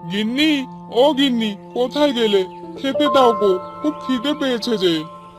গিন্নি, ও গিন্নি, কোথায় গেলে? খেতে দাও গো, খুব খিদে পেয়েছে যে।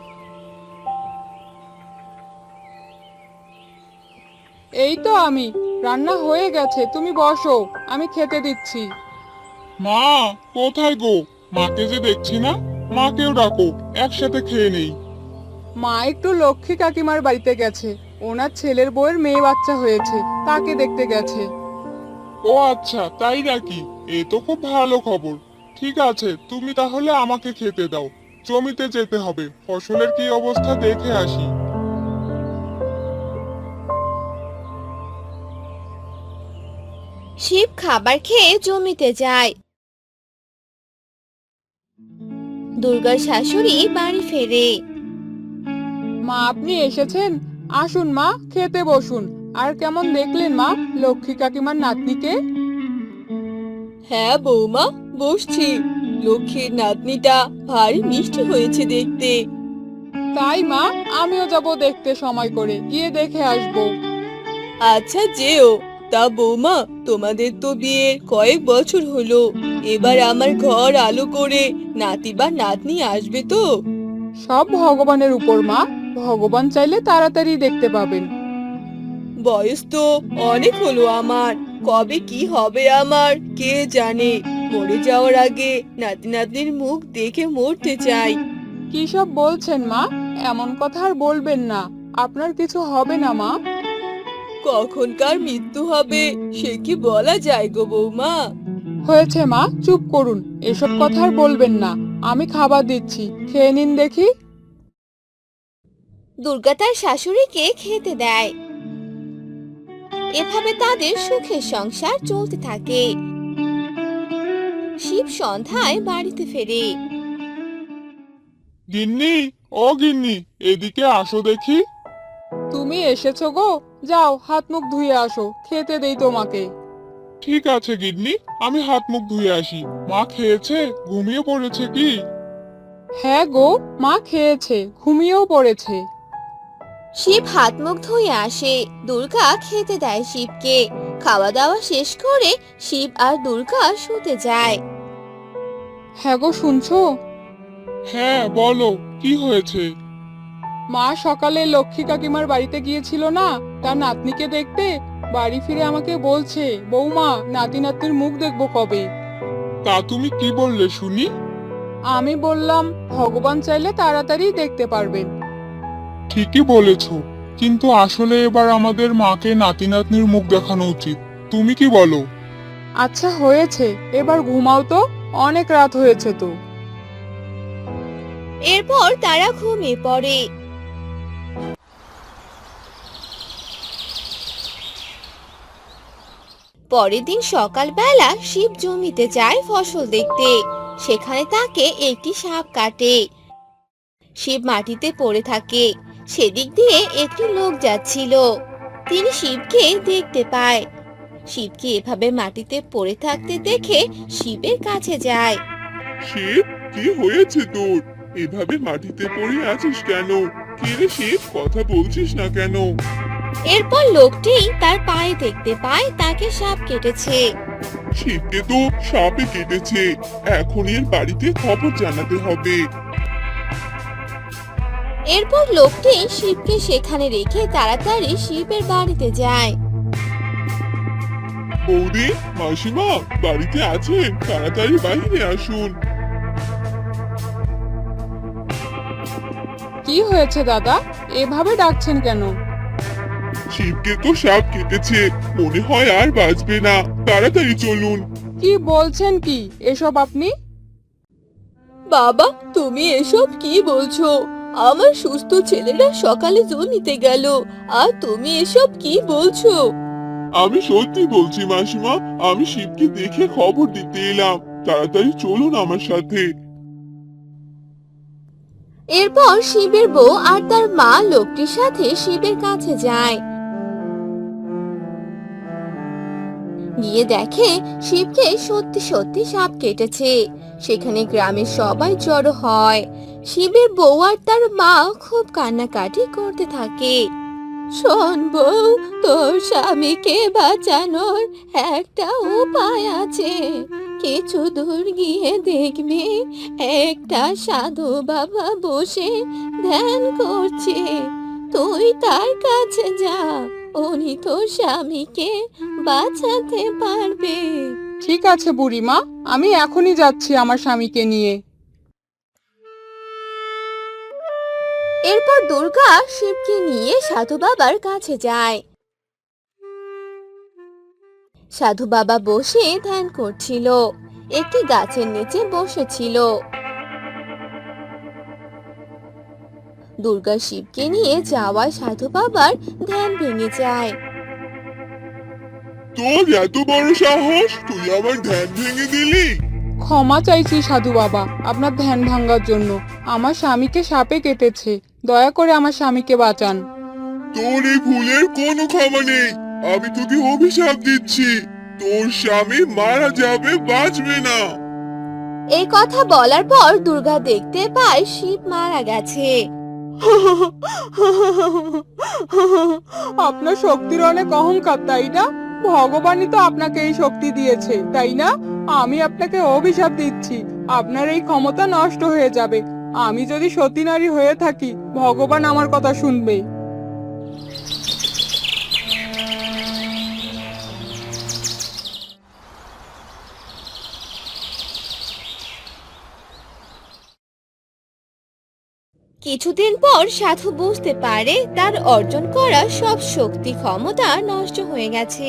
এই তো আমি। রান্না হয়ে গেছে, তুমি বসো, আমি খেতে দিচ্ছি। মা, কোথায় গো? মাকে যে দেখছি না। মাকেও ডাকো, একসাথে খেয়ে নেই। মা একটু লক্ষ্মী কাকিমার বাড়িতে গেছে। ওনার ছেলের বউয়ের মেয়ে বাচ্চা হয়েছে, তাকে দেখতে গেছে। ও আচ্ছা, তাই নাকি? এ তো খুব ভালো খবর। ঠিক আছে, তুমি তাহলে আমাকে খেতে দাও। জমিতে যেতে হবে, ফসলের কি অবস্থা দেখে আসি। শিব খাবার খেয়ে জমিতে যায়। দুর্গার শাশুড়ি বাড়ি ফেরে। মা, আপনি এসেছেন? আসুন মা, খেতে বসুন। আর কেমন দেখলেন মা লক্ষ্মী কাকিমার নাতনিকে? হ্যাঁ বৌমা, বসছি। লক্ষ্মীর নাতনিটা ভারী মিষ্টি হয়েছে দেখতে। তাই মা, আমিও যাব দেখতে, সময় করে গিয়ে দেখে আসবো। আচ্ছা যেও। তা বৌমা, তোমাদের তো বিয়ের কয়েক বছর হলো। এবার আমার ঘর আলো করে নাতি বা নাতনি আসবে তো? সব ভগবানের উপর মা, ভগবান চাইলে তাড়াতাড়ি দেখতে পাবেন। বয়স তো অনেক হলো আমার। কবে কি হবে আমার কে জানে। মরে যাওয়ার আগে নাতি নাতনির মুখ দেখে মরতে চাই। কি সব বলছেন মা? এমন কথা আর বলবেন না। আপনার কিছু হবে না মা। কখনকার মৃত্যু হবে সে কি বলা যায় গো বৌমা? হয়েছে মা, চুপ করুন। এসব কথা আর বলবেন না। আমি খাবার দিচ্ছি, খেয়ে নিন দেখি। দুর্গা তার শাশুড়িকে খেতে দেয়। এভাবে তাদের সুখের সংসার চলতে থাকে। শিব সন্ধ্যায় বাড়িতে ফেরে। গিন্নি, ও গিন্নি, এদিকে আসো দেখি। তুমি এসেছো গো? যাও হাত মুখ ধুয়ে আসো, খেতে দেই তোমাকে। ঠিক আছে গিন্নি, আমি হাত মুখ ধুয়ে আসি। মা খেয়েছে? ঘুমিয়ে পড়েছে কি? হ্যাঁ গো, মা খেয়েছে, ঘুমিয়েও পড়েছে। শিব হাত মুখ ধুয়ে আসে। দুর্গা খেতে দেয় শিবকে। খাওয়া দাওয়া শেষ করে শিব আর দুর্গা শুতে যায়। হ্যাঁ গো, শুনছো? হ্যাঁ, বলো, কি হয়েছে? মা সকালে লক্ষ্মী কাকিমার বাড়িতে গিয়েছিল না, তার নাতনিকে দেখতে। বাড়ি ফিরে আমাকে বলছে, বৌমা, নাতি নাতনির মুখ দেখবো কবে। তা তুমি কি বললে শুনি? আমি বললাম, ভগবান চাইলে তাড়াতাড়ি দেখতে পারবেন। ঠিকই বলেছো, কিন্তু আসলে এবার আমাদের মাকে নাতি নাতনির মুখ দেখানো উচিত। তুমি কি বলো? আচ্ছা হয়েছে, এবার ঘুমাও তো, অনেক রাত হয়েছে তো। এরপর তারা ঘুমিয়ে পড়ে। পরের দিন সকালবেলা শিব জমিতে যায় ফসল দেখতে। সেখানে তাকে একটি সাপ কাটে। শিব মাটিতে পড়ে থাকে। সেদিক দিয়ে একটি লোক যাচ্ছিল। তিনি শিবকে দেখতে পায়। শিবকে এভাবে মাটিতে পড়ে থাকতে দেখে শিবের কাছে যায়। শিব, কি হয়েছে তোর? এভাবে মাটিতে পড়ে আছিস কেন? কি রে শিব, কথা বলছিস না কেন? এরপর লোকটি তার পায়ে দেখতে পায় তাকে সাপ কেটেছে। শিবকে তো সাপে কেটেছে। এখন এর বাড়িতে খবর জানাতে হবে। এরপর লোকটি শিবকে সেখানে রেখে তাড়াতাড়ি শিবের বাড়িতে যায়। বৌদি, মাসিমা, বাড়িতে আছেন? তাড়াতাড়ি বাইরে আসুন। কি হয়েছে দাদা, এভাবে ডাকছেন কেন? শিবকে তো সাপ কেটেছে, মনে হয় আর বাঁচবে না। তাড়াতাড়ি চলুন। কি বলছেন কি এসব আপনি? বাবা, তুমি এসব কি বলছো? আমার সুস্থ ছেলেরা সকালে জমিতে গেল, আর তুমি এসব কি বলছো? আমি সত্যি বলছি মাসিমা, আমি শিবকে দেখে খবর দিতে এলাম। তাড়াতাড়ি চলুন আমার সাথে। এরপর শিবের বউ আর তার মা লোকটির সাথে শিবের কাছে যায়। গিয়ে দেখে শিবকে সত্যি সত্যি সাপ কেটেছে। সেখানে গ্রামের সবাই জড়ো হয়। শিবের বউ আর তার মা খুব কান্নাকাটি করতে থাকে। শোন বউ, তোর স্বামীকে বাঁচানোর একটা উপায় আছে। কিছু দূর গিয়ে দেখবি একটা সাধু বাবা বসে ধ্যান করছে। তুই তার কাছে যা, উনি তোর স্বামীকে বাঁচাতে পারবে। ঠিক আছে বুড়িমা, আমি এখনই যাচ্ছি আমার স্বামীকে নিয়ে। এরপর দুর্গা শিবকে নিয়ে সাধু বাবার কাছে যায়। সাধু বাবা বসে ধ্যান করছিল, একটি গাছের নিচে বসেছিল। দুর্গা শিবকে নিয়ে যাওয়ায় সাধু বাবার ধ্যান ভেঙে যায়। তোর এত বড় সাহস, তুই আমার ধ্যান ভেঙে দিলি? ক্ষমা চাইছি সাধু বাবা আপনার ধ্যান ভাঙার জন্য। আমার স্বামীকে সাপে কেটেছে, দয়া করে আমার স্বামীকে বাঁচান। তোর এই ভুলের কোনো ক্ষমা নেই। আমি তোকে অভিশাপ দিচ্ছি, তোর স্বামী মারা যাবে, বাঁচবে না। এই কথা বলার পর দুর্গা দেখতে পায় শিব মারা গেছে। আপনার শক্তির অনেক অহংকার, তাই না? ভগবানই তো আপনাকে এই শক্তি দিয়েছে, তাই না? আমি আপনাকে অভিশাপ দিচ্ছি, আপনার এই ক্ষমতা নষ্ট হয়ে যাবে। আমি যদি সতী নারী হয়ে থাকি, ভগবান আমার কথা শুনবে। কিছুদিন পর সাধু বুঝতে পারে তার অর্জন করা সব শক্তি ক্ষমতা নষ্ট হয়ে গেছে।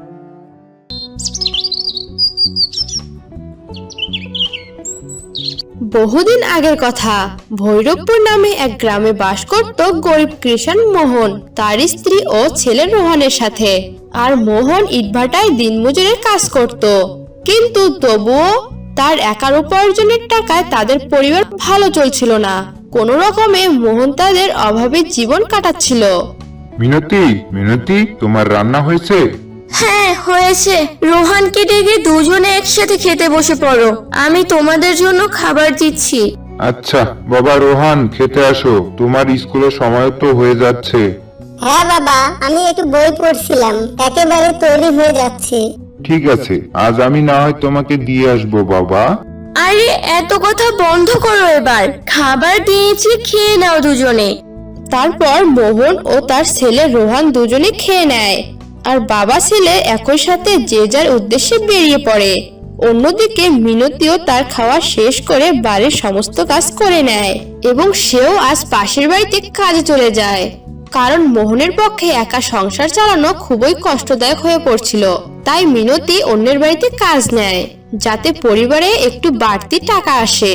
বহুদিন আগের কথা, ভৈরবপুর নামে এক গ্রামে বাস করত গরিব কৃষক মোহন, তার স্ত্রী ও ছেলে রোহনের সাথে। আর মোহন ইটভাটায় দিনমজুরের কাজ করত, কিন্তু তবুও তার একার উপার্জনের টাকায় তাদের পরিবার ভালো চলছিল না। কোনো রকমে মোহন তাদের অভাবে জীবন কাটাচ্ছিল। মিনতি, মিনতি, তোমার রান্না হয়েছে? হ্যাঁ হয়েছে, রোহানকে ডেকে দুজনে একসাথে খেতে বসে পড়ো, আমি তোমাদের জন্য খাবার দিচ্ছি। আচ্ছা বাবা রোহান, খেতে আসো, তোমার স্কুলের সময় তো হয়ে যাচ্ছে। হ্যাঁ বাবা, আমি একটু বই পড়ছিলাম, একেবারে তৈরি হয়ে যাচ্ছে। ঠিক আছে, আজ আমি না হয় তোমাকে দিয়ে আসবো বাবা। আরে এত কথা বন্ধ করো, এবার খাবার দিয়েছি, খেয়ে নাও দুজনে। তারপর মোহন ও তার ছেলে রোহান দুজনে খেয়ে নেয়, আর বাবা ছেলে একই সাথে যে যার উদ্দেশ্যে বেরিয়ে পড়ে। অন্যদিকে মিনতিও তার খাওয়া শেষ করে বাড়ির সমস্ত কাজ করে নেয়, এবং সেও আজ পাশের বাড়িতে কাজে চলে যায়, কারণ মোহনের পক্ষে একা সংসার চালানো খুবই কষ্টদায়ক হয়ে পড়ছিল। তাই মিনতি অন্যের বাড়িতে কাজ নেয়, যাতে পরিবারে একটু বাড়তি টাকা আসে।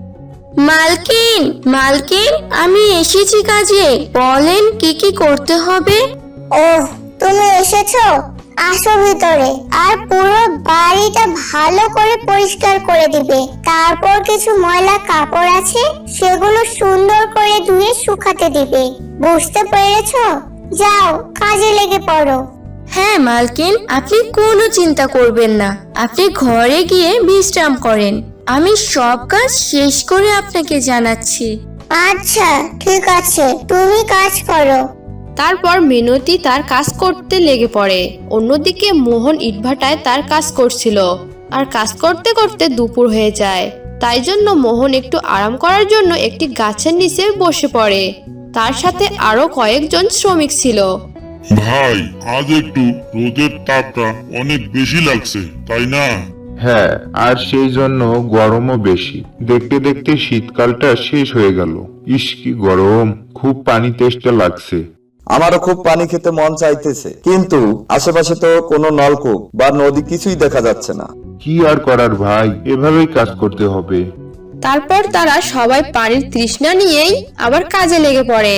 মালকিন, মালকিন, আমি এসেছি কাজে, বলেন কি কি করতে হবে? ওহ, তুমি এসেছো, আসো ভিতরে। আর পুরো বাড়িটা ভালো করে পরিষ্কার করে দিবে। তারপর কিছু ময়লা কাপড় আছে, সেগুলো সুন্দর করে ধুয়ে শুকাতে দিবে। বুঝতে পেরেছো? যাও, কাজে লেগে পড়ো। হ্যাঁ মালকিন, আপনি কোনো চিন্তা করবেন না, আপনি ঘরে গিয়ে বিশ্রাম করেন, আমি সব কাজ শেষ করে আপনাকে জানাচ্ছি। আচ্ছা ঠিক আছে, তুমি কাজ করো। তারপর মিনতি তার কাজ করতে লেগে পড়ে। অন্যদিকে মোহন ইটভাটায় তার কাজ করছিল, আর কাজ করতে করতে দুপুর হয়ে যায়। তাই জন্য মোহন একটু আরাম করার জন্য একটি গাছের নিচে বসে পড়ে। তার সাথে আরো কয়েকজন শ্রমিক ছিল। ভাই, আজ একটু রোদের তাপটা অনেক বেশি লাগছে, তাই না? হ্যাঁ, আর সেই জন্য গরমও বেশি। দেখতে দেখতে শীতকালটা শেষ হয়ে গেল। ইস কি গরম, খুব পানি তেষ্টা লাগছে। আমারও খুব পানি খেতে মন চাইতেছে, কিন্তু আশেপাশে তো কোনো নলকূপ বা নদী কিছুই দেখা যাচ্ছে না। কি আর করার ভাই, এভাবেই কাজ করতে হবে। তারপর তারা সবাই পানির তৃষ্ণা নিয়েই আবার কাজে লেগে পড়ে,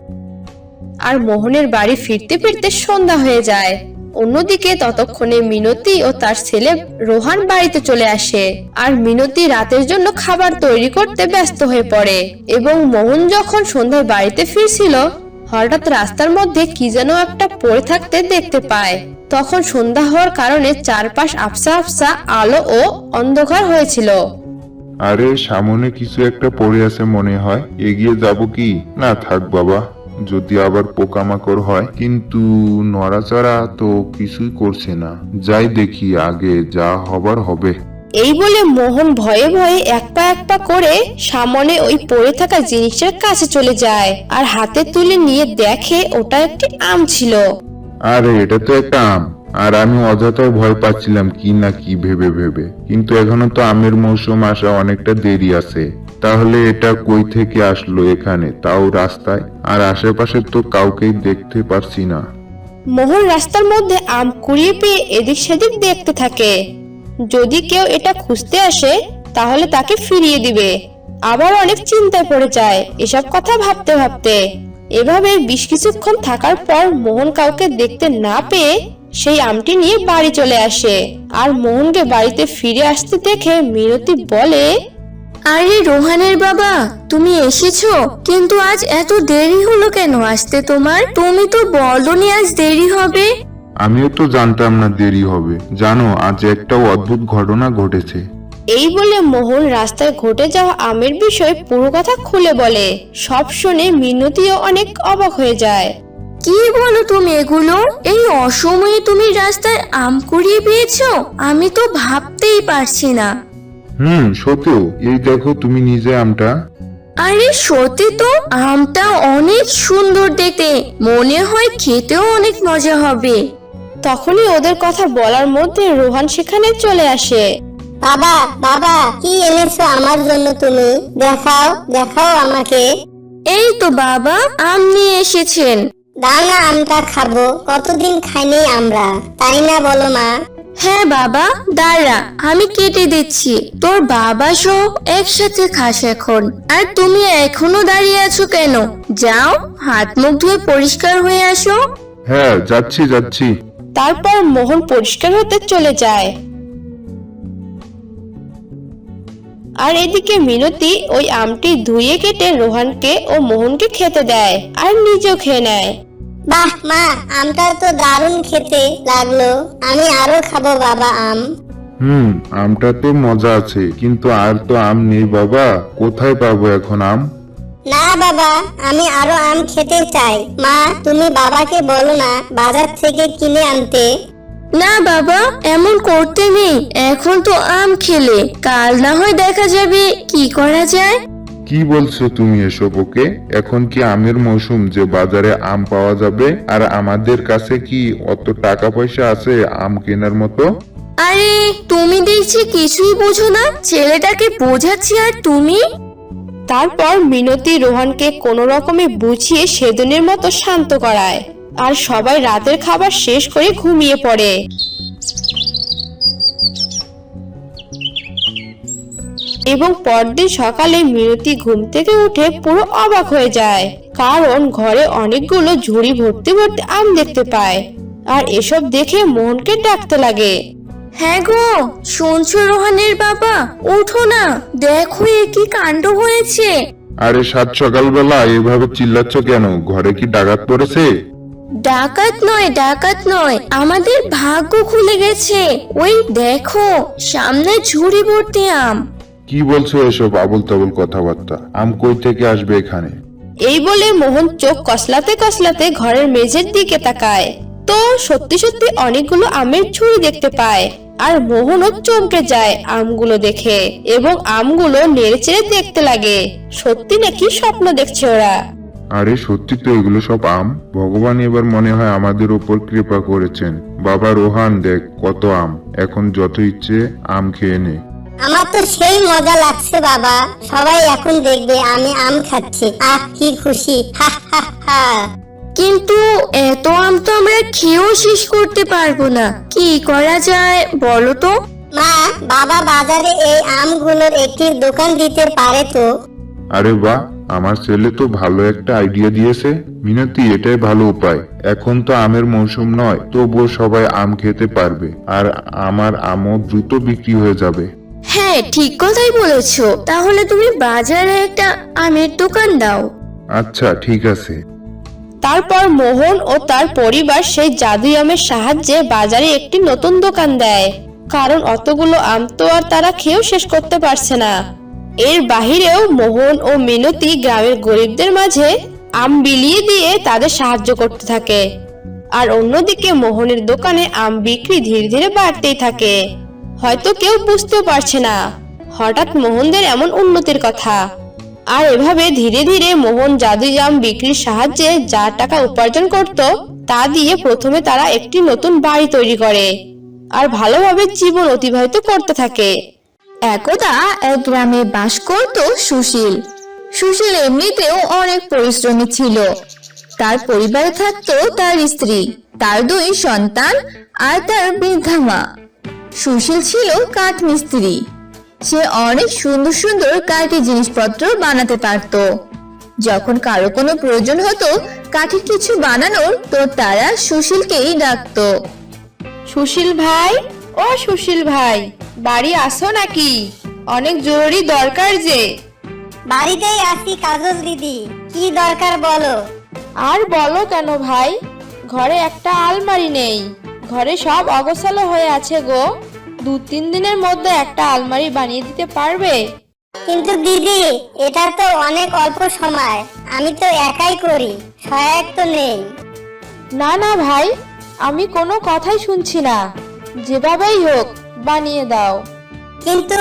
আর মোহনের বাড়ি ফিরতে ফিরতে সন্ধ্যা হয়ে যায়। অন্যদিকে ততক্ষণে মিনতি ও তার ছেলে রোহান বাড়িতে চলে আসে, আর মিনতি রাতের জন্য খাবার তৈরি করতে ব্যস্ত হয়ে পড়ে। এবং মোহন যখন সন্ধ্যায় বাড়িতে ফিরছিল, হঠাৎ রাস্তার মধ্যে কি যেন একটা পড়ে থাকতে দেখতে পায়। তখন সন্ধ্যা হওয়ার কারণে চারপাশ আবছা আবছা আলো ও অন্ধকার হয়েছিল। আরে সামনে কিছু একটা পড়ে আছে মনে হয়, এগিয়ে যাব কি? না থাক বাবা, যদি আবার পোকামাকড় হয়, কিন্তু নড়াচড়া তো কিছুই করছে না। যাই দেখি, আগে যা হবার হবে। এই বলে মোহন ভয়ে ভয়ে এক পা করে সামনে ওই পড়ে থাকা জিনিসটার কাছে চলে যায় আর হাতে তুলে নিয়ে দেখে ওটা একটি আম ছিল। আরে এটা তো একটা আম, আর আমি অযথাই ভয় পাচ্ছিলাম কি না কি ভেবে ভেবে। কিন্তু এখনো তো আমের মৌসুম আসা অনেকটা দেরি আছে। তাহলে এটা কই থেকে আসলো এখানে, তাও রাস্তায়? আর আশেপাশে তো কাউকেই দেখতে পারছি না। মোহন রাস্তার মধ্যে আম কুড়িয়ে পেয়ে এদিক সেদিক দেখতে থাকে। যদি কেউ এটা খুঁজতে আসে তাহলে তাকে ফিরিয়ে দিবে। আবার অনেক চিন্তায় পড়ে যায় এসব কথা ভাবতে ভাবতে। এভাবে বেশ কিছুক্ষণ থাকার পর মোহন কাউকে দেখতে না পেয়ে সেই আমটি নিয়ে বাড়ি চলে আসে। আর মোহনকে বাড়িতে ফিরে আসতে দেখে মিনতি বলে, আরে রোহানের বাবা, তুমি এসেছো? কিন্তু আজ এত দেরি হলো কেন আসতে তোমার? তুমি তো বলনি আজ দেরি হবে। আমিও তো জানতাম না দেরি হবে। জানো, আজ একটা অদ্ভুত ঘটনা ঘটেছে। এই বলে মোহন রাস্তায় ঘটে যাওয়া আমের বিষয়ে পুরো কথা খুলে বলে। সব শুনে মিনতিও অনেক অবাক হয়ে যায়। কি বলো তুমি এগুলো? এই অসময়ে তুমি রাস্তায় আম কুড়িয়ে পেয়েছো? আমি তো ভাবতেই পারছি না। সত্যি, এই দেখো তুমি নিজে আমটা। আরে সত্যি তো, আমটা অনেক সুন্দর দেখতে, মনে হয় খেতেও অনেক মজা হবে। তখনই ওদের কথা বলার মধ্যে রোহান সেখানে চলে আসে। বাবা বাবা, কি এনেছো আমার জন্য তুমি? দেখাও দেখাও আমাকে। এই তো বাবা, আম নিয়ে এসেছেন। দাও না, আমটা খাবো, কতদিন খাইনি আমরা, তাই না বলো মা? হ্যাঁ বাবা, দাঁড়া আমি কেটে দিচ্ছি। তোর বাবা সহ একসাথে খাস এখন। আর তুমি এখনো দাঁড়িয়ে আছো কেন? যাও হাত মুখ ধুয়ে পরিষ্কার হয়ে আসো। হ্যাঁ, যাচ্ছি যাচ্ছি। তারপর মোহন পরিষ্কার হতে চলে যায়। আর এদিকে মিনতি ওই আমটি ধুয়ে কেটে রোহানকে ও মোহনকে খেতে দেয় আর নিজেও খেয়ে নেয়। বাহ মা, আমটা তো দারুণ খেতে লাগলো, আমি আরো খাবো বাবা আম। আমটা তো মজা আছে, কিন্তু আর তো আম নেই বাবা। কোথায় পাবো এখন আম? না বাবা, আমি আরো আম খেতে চাই। মা, তুমি বাবাকে বলো না বাজার থেকে কিনে আনতে। না বাবা, এমন করতে নেই। এখন তো আম খেলে, কাল না হয় দেখা যাবে কি করা যায়। কি বলছো তুমি এসব? ওকে, এখন কি আমের মৌসুম যে বাজারে আম পাওয়া যাবে? আর আমাদের কাছে কি অত টাকা পয়সা আছে আম কেনার মতো? আরে তুমি দেখছি কিছুই বোঝো না, ছেলেটাকে বোঝাচ্ছি আর তুমি। তারপর মিনতি রোহানকে কোনো রকমে বুঝিয়ে সেদিনের মতো শান্ত করায়। আর সবাই রাতের খাবার শেষ করে ঘুমিয়ে পড়ে। এবং পরদিন সকালে মিনতি ঘুম থেকে উঠে পুরো অবাক হয়ে যায়, কারণ ঘরে অনেকগুলো ঝুড়ি ভর্তি ভর্তি আম দেখতে পায়। আর এসব দেখে মোহনকে ডাকতে লাগে। হ্যাঁ গো, শুনছো রোহানের বাবা? ওঠো না, দেখো এ কি কাণ্ড হয়েছে। আরে সাত সকালবেলা এভাবে চিল্লাচ্ছ কেন? ঘরে কি ডাকাত পড়েছে? ডাকাত নয়, ডাকাত নয়, আমাদের ভাগ্য খুলে গেছে। ওই দেখো সামনে ঝুড়ি ভর্তি আম। কি বলছো এসব আবল তাবল কথাবার্তা? আম কই থেকে আসবে এখানে? এই বলে মোহন চোখ কসলাতে কসলাতে ঘরের মেঝের দিকে তাকায়। তো সত্যি সত্যি অনেকগুলো আমের ঝুড়ি দেখতে পায়। আর মোহনও চমকে যায় আমগুলো দেখে, এবং আমগুলো নেড়েচেড়ে দেখতে লাগে সত্যি নাকি স্বপ্ন দেখছে ওরা। আরে সত্যি তো, এগুলো সব আম। ভগবান এবার মনে হয় আমাদের উপর কৃপা করেছেন। বাবা রোহান, দেখ কত আম, এখন যত ইচ্ছে আম খেয়ে নে। আমার তো সেই মজা লাগছে বাবা, সবাই এখন দেখবে আমি আম খাচ্ছি। আহ কি খুশি, হা হা হা। কিন্তু এত আম তো আমরা খেয়েও শেষ করতে পারবো না, কি করা যায় বলো তো? মা, বাবা বাজারে এই আমগুলোর একটি দোকান দিতে পারে তো? আরে বাহ, আমার ছেলে তো ভালো একটা আইডিয়া দিয়েছে। মিনতি, এটাই ভালো উপায়। এখন তো আমের মৌসুম নয়, তবুও সবাই আম খেতে পারবে, আর আমার আমও দ্রুত বিক্রি হয়ে যাবে। হ্যাঁ ঠিক কথাই বলেছো, তাহলে তুমি বাজারে একটা আমের দোকান দাও। আচ্ছা ঠিক আছে। তারপর মোহন ও তার পরিবার সেই জাদুই আমের সাহায্যে বাজারে একটি নতুন দোকান দেয়, কারণ অতগুলো আম তো আর তারা খেয়েও শেষ করতে পারছে না। এর বাহিরেও মোহন ও মিনতি গ্রামের গরিবদের মাঝে আম বিলিয়ে দিয়ে তাদের সাহায্য করতে থাকে। আর অন্যদিকে মোহনের দোকানে আম বিক্রি ধীরে ধীরে বাড়তেই থাকে। হয়তো কেউ বুঝতেও পারছে না হঠাৎ মোহনদের এমন উন্নতির কথা। আর এভাবে ধীরে ধীরে মোহন জাদুই আম বিক্রির সাহায্যে যা টাকা উপার্জন করত তা দিয়ে প্রথমে তারা একটি নতুন বাড়ি তৈরি করে আর ভালোভাবে জীবন অতিবাহিত করতে থাকে। একদা এক গ্রামে বাস করত সুশীল। সুশীল এমনিতেও অনেক পরিশ্রমী ছিল। তার পরিবারে থাকতো তার স্ত্রী, তার 2 সন্তান আর তার বৃদ্ধা মা। সুশীল ছিল কাঠ মিস্ত্রি। সে অনেক সুন্দর সুন্দর কাঠের জিনিসপত্র বানাতে পারত। যখন কারো কোনো প্রয়োজন হতো কাঠের কিছু বানানোর, তো তারা সুশীলকেই ডাকতো। সুশীল ভাই, ও সুশীল ভাই, বাড়ি আসো নাকি? অনেক জরুরি দরকার যে। বাড়িতেই আছি কাজল দিদি, কি দরকার বলো। আর বলো কেন ভাই, ঘরে একটা আলমারি নেই, ঘরে সব অগোছালো হয়ে আছে গো। 2-3 দিনের মধ্যে একটা আলমারি বানিয়ে দিতে পারবে? কিন্তু দিদি, এটা তো অনেক অল্প সময়, আমি তো একাই করি, সহায়ক তো নেই। না না ভাই, আমি কোনো কথাই শুনছি না, যেভাবেই হোক বানিয়ে দাও। কিন্তু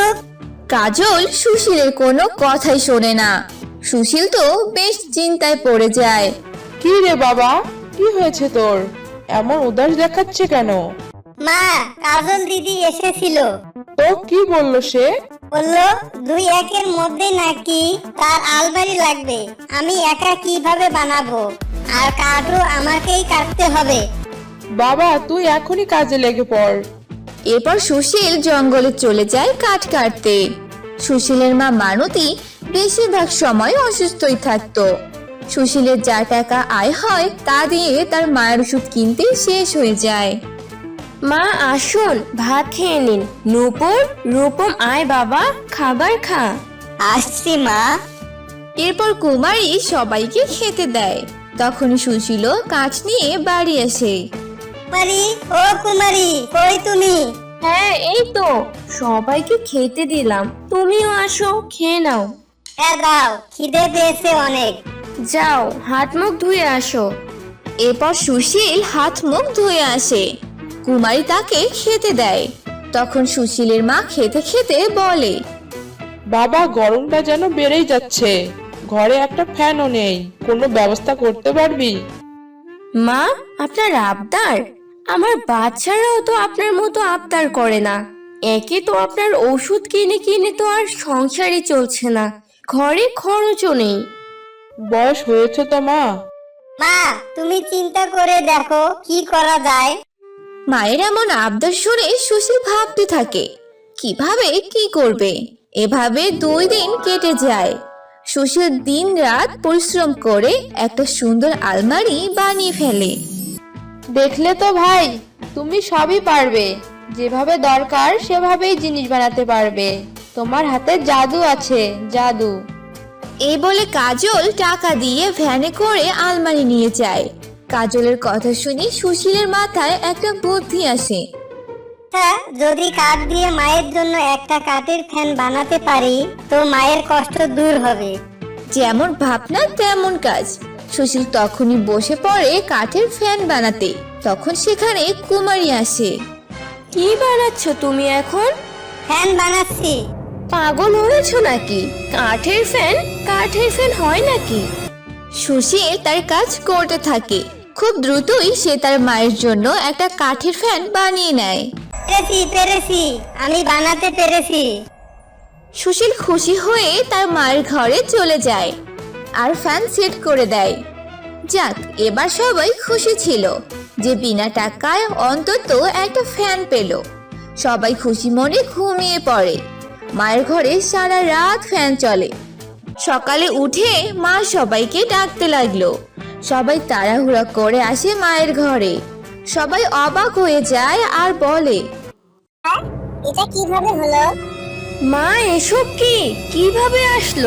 কাজল সুশীলের কোনো কথাই শোনে না। সুশীল তো বেশ চিন্তায় পড়ে যায়। কি রে বাবা, কি হয়েছে তোর? এমন উদাস দেখাচ্ছে কেন? মা, কাজল দিদি এসেছিল, তো কি বললো সে? বললো 2-1 মধ্যে নাকি তার আলমারি লাগবে। আমি একা কিভাবে বানাবো, আর কাঠও আমাকেই কাটতে হবে। বাবা, তুই এখনই কাজে লেগে পড়। এরপর সুশীল জঙ্গলে চলে যায় কাঠ কাটতে। সুশীলের মা মানতী বেশিরভাগ সময় অসুস্থই থাকতো। সুশীলের যা টাকা আয় হয় তা দিয়ে তার মায়ের ওষুধ কিনতে শেষ হয়ে যায়। মা আসুন, ভাত খেয়ে নিন। নূপুর, রূপম, আয় বাবা, খাবার খা। আসছি মা। এরপর কুমারী সবাইকে খেতে দেয়। তখন সুশীল কাঠ নিয়ে বাড়ি আসে। কুমারী, ও কুমারী, কই তুমি? হ্যাঁ, এই তো সবাইকে খেতে দিলাম, তুমিও আসো, খেয়ে নাও। দাও, খিদে পেয়েছে অনেক। যাও, হাত মুখ ধুয়ে আসো। এরপর সুশীল হাত মুখ ধুয়ে আসে। কুমারী তাকে খেতে দেয়। তখন সুশীলের মা খেতে খেতে বলে, বাবা, গরমটা যেন বেড়েই যাচ্ছে, ঘরে একটা ফ্যানও নেই, কোনো ব্যবস্থা করতে পারবি? মা, আপনার আবদার? আমার বাচ্চারাও তো আপনার মতো আবদার করে না। একে তো আপনার ওষুধ কিনে কিনে তো আর সংসারই চলছে না, ঘরে খরচও নেই। বয়স হয়েছে তো মা। মা, তুমি চিন্তা করে দেখো কি করা যায়। মায়ের এমন আবদার শুনে সুশীল ভাবতে থাকে কিভাবে কি করবে। এভাবে 2 দিন কেটে যায়। সুশীল দিন রাত পরিশ্রম করে একটা সুন্দর আলমারি বানিয়ে ফেলে। দেখলে তো ভাই, তুমি সবই পারবে, যেভাবে দরকার সেভাবেই জিনিস বানাতে পারবে। তোমার হাতে জাদু আছে, জাদু। এই বলে কাজল টাকা দিয়ে ভ্যানে করে আলমারি নিয়ে যায়। কাজলের কথা শুনে সুশীলের মাথায় একটা বুদ্ধি আসে। যদি কাঠ দিয়ে মায়ের জন্য একটা কাঠের ফ্যান বানাতে পারি, তো মায়ের কষ্ট দূর হবে। যেমন ভাবনা তেমন কাজ। সুশীল তখনই বসে পড়ে কাঠের ফ্যান বানাতে। তখন সেখানে কুমারী আসে। কি বানাচ্ছ তুমি এখন? ফ্যান বানাচ্ছি। পাগল হয়েছো নাকি? কাঠের ফ্যান, কাঠের ফ্যান হয় নাকি? সুশীল তার কাজ করতে থাকে। খুব দ্রুতই সে তার মায়ের জন্য একটা কাঠের ফ্যান বানিয়ে নেয়। পেরেছি, আমি বানাতে পেরেছি। সুশীল খুশি হয়ে তার মায়ের ঘরে চলে যায় আর ফ্যান সেট করে দেয়। যাক, এবার সবাই খুশি ছিল যে বিনা টাকায় অন্তত একটা ফ্যান পেল। সবাই খুশি মনে ঘুমিয়ে পড়ে। মায়ের ঘরে সারা রাত ফ্যান চলে। সকালে উঠে মা সবাইকে ডাকতে লাগলো। সবাই তাড়াহুড়া করে আসে মায়ের ঘরে। সবাই অবাক হয়ে যায় আর বলে, এটা কিভাবে হলো? মা, এসব কি, কিভাবে আসলো?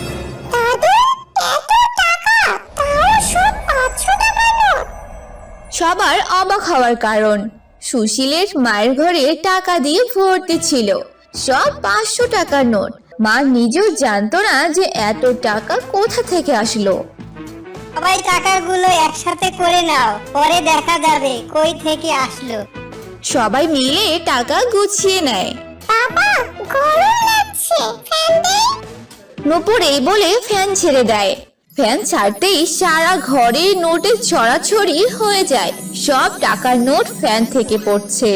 সবার অবাক হওয়ার কারণ সুশীলের মায়ের ঘরে টাকা দিয়ে ভর্তি ছিল, সব 500 টাকার নোট। মা নিজেও জানতো না যে এত টাকা কোথা থেকে আসলো। সবাই টাকাগুলো একসাথে করে নাও, পরে দেখা যাবে কই থেকে আসলো। সবাই মিলে টাকা গুছিয়ে নেয়। বাবা, গরম লাগছে, ফ্যান দে। নূপুর এই বলে ফ্যান ছেড়ে দেয়। ফ্যান ছাড়তেই সারা ঘরে নোটের ছড়াছড়ি হয়ে যায়। সব টাকার নোট ফ্যান থেকে পড়ছে।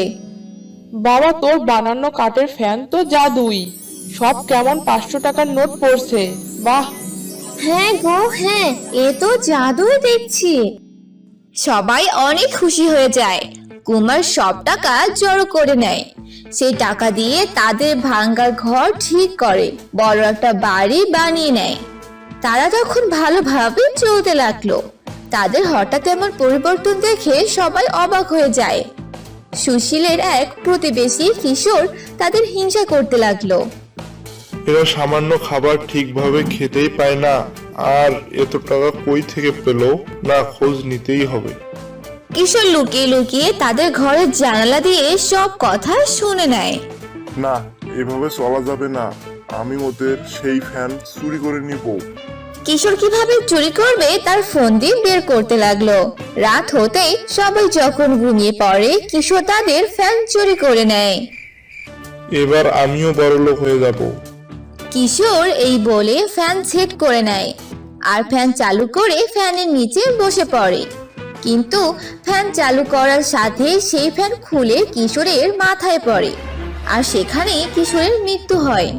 বাবা, তোর বানানো কাঠের ফ্যান তো জাদুই। সব কেমন 500 টাকার নোট পড়ছে। বাহ! হ্যাঁ গো হ্যাঁ, এ তো জাদুই দেখছি। সবাই অনেক খুশি হয়ে যায়। কুমার সব টাকা জড়ো করে নেয়। সেই টাকা দিয়ে তাদের ভাঙ্গা ঘর ঠিক করে বড় একটা বাড়ি বানিয়ে নেয়। তারা তখন ভালোভাবে চলতে লাগলো। তাদের হঠাৎ এমন পরিবর্তন দেখে সবাই অবাক হয়ে যায়। সুশীলের এক প্রতিবেশী কিশোর তাদের হিংসা করতে লাগলো। এরা সামান্য খাবার ঠিকভাবে খেতেই পায় না, আর এত টাকা কই থেকে পেল, না খোঁজ নিতেই হবে। কিশোর লুকিয়ে লুকিয়ে তাদের ঘরের জানালা দিয়ে সব কথা শুনে নেয়। না, এভাবে চলা যাবে না। আমি ওদের সেই ফ্যান চুরি করে নিব। কিশোর কিভাবে চুরি করবে তার ফোন দিয়ে বের করতে লাগলো। রাত হতেই সবাই যখন ঘুমিয়ে পড়ে, কিশোর তাদের ফ্যান চুরি করে নেয়। এবার আমিও বড়লোক হয়ে যাব। কিশোর এই বলে ফ্যান সেট করে নেয় আর ফ্যান চালু করে ফ্যানের নিচে বসে পড়ে। কিন্তু ফ্যান চালু করার সাথে সেই ফ্যান খুলে কিশোরের মাথায় পড়ে আর সেখানে কিশোরের মৃত্যু হয়।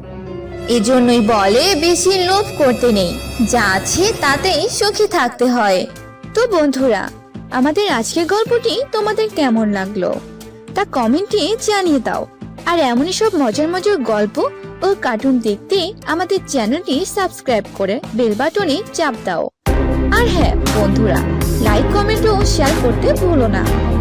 এজন্যই বলে বেশি লোভ করতে নেই, যা আছে তাতেই সুখী থাকতে হয়। তো বন্ধুরা, আমাদের আজকের গল্পটি তোমাদের কেমন লাগলো তা কমেন্টে জানিয়ে দাও। আর এমনই সব মজার মজার গল্প ও কার্টুন দেখতে আমাদের চ্যানেলটি সাবস্ক্রাইব করে বেল বাটনে চাপ দাও। আর হ্যাঁ বন্ধুরা, লাইক কমেন্ট ও শেয়ার করতে ভুলো না।